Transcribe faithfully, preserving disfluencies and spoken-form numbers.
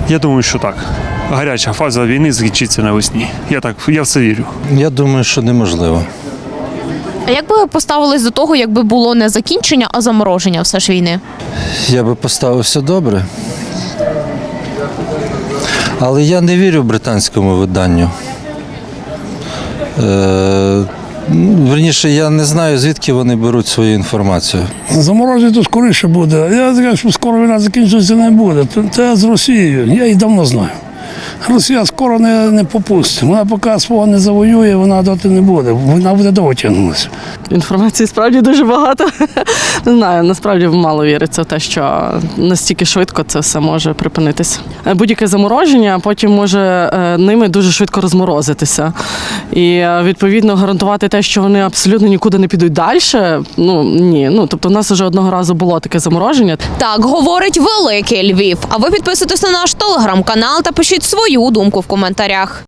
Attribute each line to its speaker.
Speaker 1: Я думаю, що так. Гаряча фаза війни закінчиться навесні. Я так, я в це вірю.
Speaker 2: Я думаю, що неможливо.
Speaker 3: А як би ви поставились до того, якби було не закінчення, а замороження все ж війни?
Speaker 2: Я би поставився добре. Але я не вірю британському виданню. Е, Верніше, я не знаю, звідки вони беруть свою інформацію.
Speaker 4: Замороження то скоріше буде. Я кажу, що скоро війна закінчиться не буде. Це з Росією. Я її давно знаю. Росія скоро не, не попустить. Вона поки свого не завоює, вона доти не буде. Вона буде довго тягнутися.
Speaker 5: Інформації справді дуже багато. Не знаю, насправді мало віриться в те, що настільки швидко це все може припинитися. Будь-яке замороження потім може ними дуже швидко розморозитися. І, відповідно, гарантувати те, що вони абсолютно нікуди не підуть далі, ну, ні. Ну, тобто, в нас вже одного разу було таке замороження.
Speaker 3: Так говорить Великий Львів. А ви підписуйтесь на наш телеграм-канал та пишіть свою думку в коментарях.